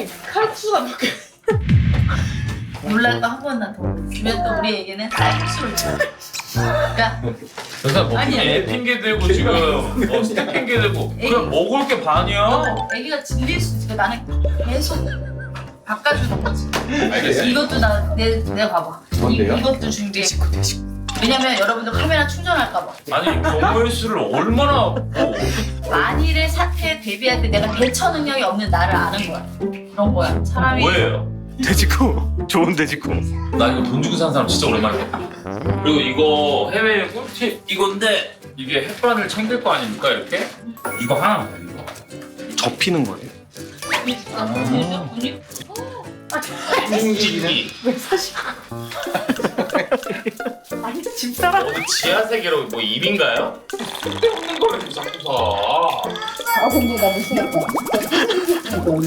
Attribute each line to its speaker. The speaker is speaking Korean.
Speaker 1: 칼국수가 몇 개? 몰랐다 한 번만 더. 주면 또 우리에게는 쌀국수를 줘. 그러니까
Speaker 2: 그래서 뭐
Speaker 1: 아니야.
Speaker 2: 애 핑계 대고 지금 스텝 핑계 대고 그냥 먹을 게 반이야.
Speaker 1: 너 애기가 질릴 수 있으니까 나는 계속 바꿔주는 거지.
Speaker 2: 알겠어.
Speaker 1: 이것도 내가 봐봐.
Speaker 3: 뭔데요?
Speaker 1: 이것도 준비해. 왜냐면 여러분들 카메라 충전할까 봐.
Speaker 2: 아니 경우의 수를 얼마나 뭐.
Speaker 1: 만일의 사태에 대비할 때 내가 대처 능력이 없는 나를 아는 거야. 그런 거야. 사람이
Speaker 2: 뭐예요?
Speaker 3: 돼지코. 좋은 돼지코.
Speaker 2: 나 이거 돈 주고 산 사람 진짜 오랜만에 봤다. 그리고 이거 해외 꿀팁 이건데 이게 햇반을 챙길 거 아닙니까 이렇게? 이거 하나만 더 이거.
Speaker 3: 접히는 거예요.
Speaker 2: 뭉치기.
Speaker 1: 왜 사실? 아니 집사람
Speaker 2: 어디 지하 세계로 뭐 입인가요? 쓸데없는 거를 자꾸 사.
Speaker 1: 아 근데 나 무슨